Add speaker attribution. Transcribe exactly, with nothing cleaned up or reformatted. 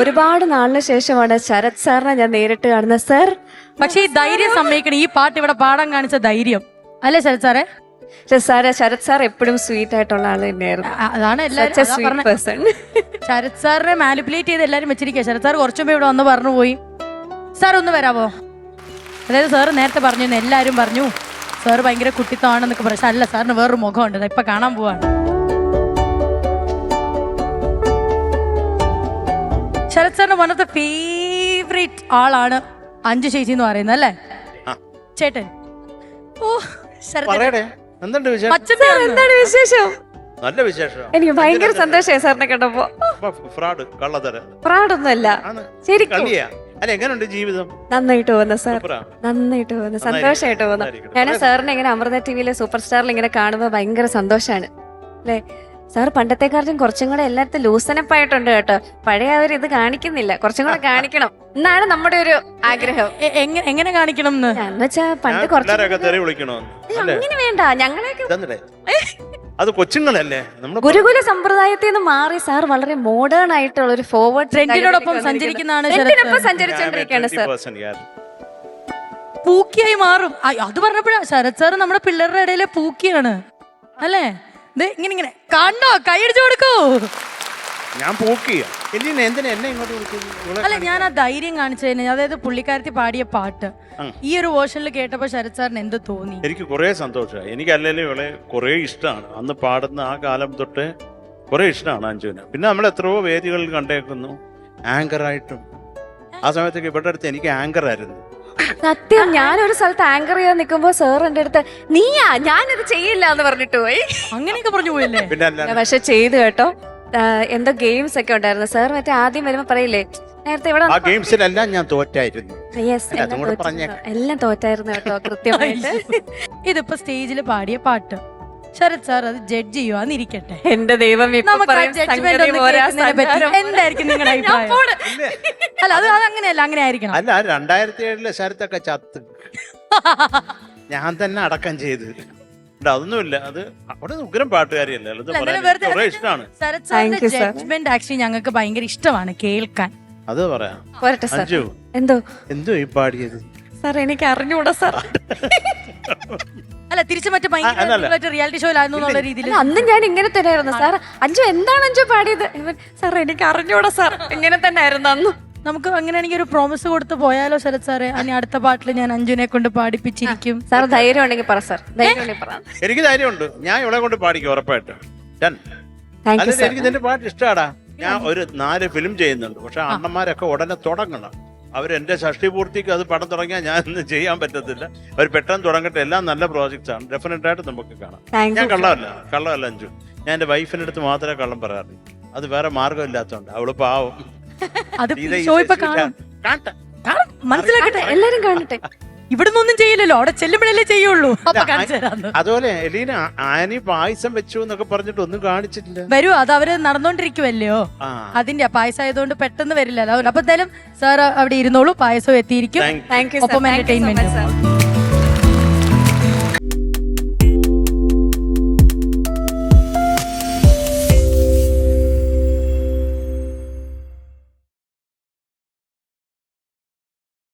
Speaker 1: ഒരുപാട് നാളിന് ശേഷമാണ് ശരത് സാറിനെ ഞാൻ നേരിട്ട് കാണുന്നത് സർ.
Speaker 2: പക്ഷെ ഈ ധൈര്യം സമ്മതിക്കണം, ഈ പാട്ട് ഇവിടെ പാടാൻ കാണിച്ച ധൈര്യം അല്ലേ ശരത് സാറേ?
Speaker 1: സാറ് ശരത് സാർ എപ്പോഴും സ്വീറ്റ് ആയിട്ടുള്ള ആള് തന്നെയായിരുന്നു.
Speaker 2: അതാണ് എല്ലാവരും ശരത് സാറിനെ മാനിപ്പുലേറ്റ് ചെയ്ത് എല്ലാരും വെച്ചിരിക്കുക. ശരത് സാർ കുറച്ചു മുമ്പ് ഇവിടെ വന്ന് പറഞ്ഞു പോയി സാർ ഒന്ന് വരാവോ, അതായത് സാറ് നേരത്തെ പറഞ്ഞു എല്ലാരും പറഞ്ഞു സാറ് ഭയങ്കര കുട്ടിത്തമാണെന്നൊക്കെ പറഞ്ഞു. അല്ല, സാറിന് വേറൊരു മുഖമുണ്ട്, ഇപ്പൊ കാണാൻ പോവാണ്. ശരത് സാറിന് വൺ ഓഫ് ദ ഫേവറേറ്റ് ആളാണ് അഞ്ജു ചേച്ചി എന്ന് പറയുന്നത് അല്ലേ ചേട്ടൻ? ഓ
Speaker 1: എന്താണ് വിശേഷം?
Speaker 3: നല്ല വിശേഷം.
Speaker 1: എനിക്ക് ഭയങ്കര സന്തോഷമായി സാറിനെ കണ്ടപ്പോ.
Speaker 3: ഫ്രോഡ് കള്ളത്തരം
Speaker 1: ഫ്രോഡൊന്നുമല്ല, ശരിക്കും.
Speaker 3: അല്ല, എങ്ങനെയുണ്ട് ജീവിതം?
Speaker 1: നന്നായിട്ട് പോകുന്നു സാർ, നന്നായിട്ട് പോകുന്നു, സന്തോഷമായിട്ട് പോകുന്നു. ഞാൻ സാറിനെ ഇങ്ങനെ അമൃത ടിവിയിലെ സൂപ്പർ സ്റ്റാറിൽ ഇങ്ങനെ കാണുമ്പോ ഭയങ്കര സന്തോഷാണ് അല്ലേ. സാർ പണ്ടത്തെക്കാളും കുറച്ചും കൂടെ എല്ലായിടത്തും ലൂസനപ്പ് ആയിട്ടുണ്ട് കേട്ടോ. പഴയ അവർ ഇത് കാണിക്കുന്നില്ല, കുറച്ചും കൂടെ കാണിക്കണം എന്നാണ് നമ്മുടെ ഒരു ആഗ്രഹം.
Speaker 2: എങ്ങനെ കാണിക്കണം
Speaker 1: എന്ന് വെച്ചാ പണ്ട് കുറച്ച് അങ്ങനെ വേണ്ട, ഞങ്ങളെയൊക്കെ
Speaker 3: അത് കൊച്ചുങ്ങളല്ലേ.
Speaker 1: ഗുരുകുല സമ്പ്രദായത്തിൽ നിന്ന് മാറി സാർ വളരെ മോഡേൺ ആയിട്ടുള്ള ഒരു ഫോർവേഡ്
Speaker 2: ട്രെൻഡിനോടൊപ്പം സഞ്ചരിക്കുന്നതാണ്,
Speaker 1: സഞ്ചരിച്ചോണ്ടിരിക്കുകയാണ് സാർ.
Speaker 2: പൂക്കിയായി മാറും. അത് പറഞ്ഞപ്പോഴാ ശരത് സാർ നമ്മുടെ പിള്ളേരുടെ ഇടയിലെ പൂക്കിയാണ് അല്ലേ. ഇത് ഇങ്ങനെ ഇങ്ങനെ കണ്ടോ, കൈയടിച്ചു കൊടുക്കൂ.
Speaker 3: ഞാൻ പൂക്കിയ
Speaker 2: അല്ല, ഞാൻ ആ ധൈര്യം കാണിച്ചതിന്, അതായത് പുള്ളിക്കാരത്തി പാടിയ പാട്ട് ഈ ഒരു വേർഷനിൽ കേട്ടപ്പോ ശരത് സാറിന് എന്ത് തോന്നി?
Speaker 3: എനിക്ക് കുറെ സന്തോഷമായി. എനിക്ക് അല്ലെങ്കിലും ഇവളെ കുറെ ഇഷ്ടമാണ്. അന്ന് പാടുന്ന ആ കാലം തൊട്ട് കുറെ ഇഷ്ടമാണ് അഞ്ജുവിന്. പിന്നെ നമ്മൾ എത്രയോ വേദികളിൽ കണ്ടേക്കുന്നു ആങ്കറായിട്ടും. ആ സമയത്തൊക്കെ ഇവിടെ അടുത്ത് എനിക്ക് ആങ്കർ ആയിരുന്നു.
Speaker 1: സത്യം, ഞാനൊരു സ്ഥലത്ത് ആങ്കർ ചെയ്യാൻ നിൽക്കുമ്പോ സാർ എന്റെ അടുത്ത് നീയാ ഞാനിത് ചെയ്യില്ല എന്ന് പറഞ്ഞിട്ട് പോയി.
Speaker 2: അങ്ങനെയൊക്കെ പറഞ്ഞു പോയല്ലേ?
Speaker 3: പിന്നെ
Speaker 1: പക്ഷെ ചെയ്തു കേട്ടോ. എന്തോ ഗെയിംസ് ഒക്കെ ഉണ്ടായിരുന്നു സാർ. മറ്റേ ആദ്യം വരുമ്പോ പറയില്ലേ നേരത്തെ ഇവിടെ
Speaker 3: ഗെയിംസിലെല്ലാം ഞാൻ തോറ്റായിരുന്നു.
Speaker 1: എല്ലാം തോറ്റായിരുന്നു കേട്ടോ കൃത്യമായിട്ട്.
Speaker 2: ഇതിപ്പോ സ്റ്റേജിൽ പാടിയ പാട്ട് ശരത് സാർ അത് ജഡ്ജ് ചെയ്യുവാന്നിരിക്കട്ടെ.
Speaker 1: എന്റെ ദൈവം,
Speaker 2: എന്തായിരിക്കും നിങ്ങളുടെ അഭിപ്രായം? അല്ല, അത് അതങ്ങനെയല്ല, അങ്ങനെ ആയിരിക്കണം.
Speaker 3: അല്ല, രണ്ടായിരത്തി ഏഴിലെ ശരത്തൊക്കെ ചത്ത് ഞാൻ തന്നെ അടക്കം ചെയ്ത് അതൊന്നുമില്ല. അത് അവിടെ ഉഗ്രം പാട്ടുകാരിയല്ലേ, ഇഷ്ടമാണ്.
Speaker 2: ശരത് സാറിന്റെ ജഡ്ജ്മെന്റ് ആക്ച്വലി ഞങ്ങൾക്ക് ഭയങ്കര ഇഷ്ടമാണ് കേൾക്കാൻ.
Speaker 3: അത് പറയാം.
Speaker 1: അഞ്ജു എന്തോ
Speaker 3: എന്തോ ഈ പാടിയത്
Speaker 1: സാർ എനിക്ക് അറിഞ്ഞൂടാ സാർ.
Speaker 2: അല്ല, തിരിച്ചു മറ്റേ റിയാലിറ്റി ഷോയിലായിരുന്നു രീതിയിൽ
Speaker 1: അന്ന് ഞാൻ ഇങ്ങനെ തന്നെയായിരുന്നു സാർ. അഞ്ജു എന്താണ് അഞ്ജു പാടിയത്? സാർ എനിക്ക് അറിഞ്ഞൂടാ സാർ, ഇങ്ങനെ തന്നെ ആയിരുന്നു അന്ന്.
Speaker 2: നമുക്ക് അങ്ങനെയാണെങ്കിൽ ഒരു പ്രോമിസ് കൊടുത്ത് പോയാലോ ശരത് സാറേ? അനി അടുത്ത പാട്ടിൽ ഞാൻ അഞ്ജുനെ കൊണ്ട് പാടിപ്പിച്ചിരിക്കും.
Speaker 1: സാർ ധൈര്യം ഉണ്ടെങ്കിൽ പറ സാർ.
Speaker 3: എനിക്ക് ധൈര്യമുണ്ട്, ഞാൻ ഇവിടെ കൊണ്ട് പാടിക്കും ഉറപ്പായിട്ടും. എനിക്ക് നിന്റെ പാട്ട് ഇഷ്ടമാടാ. ഞാൻ ഒരു നാല് ഫിലിം ചെയ്യുന്നുണ്ട്, പക്ഷെ അണ്ണന്മാരൊക്കെ ഉടനെ തുടങ്ങണം. അവരെന്റെ ഷഷ്ടി പൂർത്തിക്ക് അത് പടം തുടങ്ങിയാൽ ഞാൻ ഇന്ന് ചെയ്യാൻ പറ്റത്തില്ല. അവർ പെട്ടെന്ന് തുടങ്ങട്ടെ. എല്ലാം നല്ല പ്രോജക്ട്സ് ആണ്, ഡെഫിനറ്റ് ആയിട്ട് നമുക്ക് കാണാം. ഞാൻ കള്ളമല്ല കള്ളമല്ല അഞ്ജു. ഞാൻ എന്റെ വൈഫിന്റെ അടുത്ത് മാത്രമേ കള്ളം പറയാറുള്ളൂ. അത് വേറെ മാർഗം ഇല്ലാത്തതുകൊണ്ട്. അവള് പാവം.
Speaker 2: മനസ്സിലാക്കട്ടെ,
Speaker 1: എല്ലാരും കാണട്ടെ.
Speaker 2: ഇവിടുന്ന് ഒന്നും ചെയ്യില്ലല്ലോ, അവിടെ ചെല്ലുമ്പോഴല്ലേ ചെയ്യുള്ളൂ.
Speaker 3: അതുപോലെ എലീന ആനി പായസം വെച്ചു എന്നൊക്കെ പറഞ്ഞിട്ട് ഒന്നും കാണിച്ചിട്ടില്ല.
Speaker 2: വരൂ, അത് അവര് നടന്നോണ്ടിരിക്കുവല്ലോ. അതിന്റെ പായസം ആയതുകൊണ്ട് പെട്ടെന്ന് വരില്ലല്ലോ. അപ്പൊ എന്തായാലും സാർ അവിടെ ഇരുന്നോളൂ, പായസം എത്തിയിരിക്കും. ഒപ്പം എന്റർടൈൻമെന്റ്.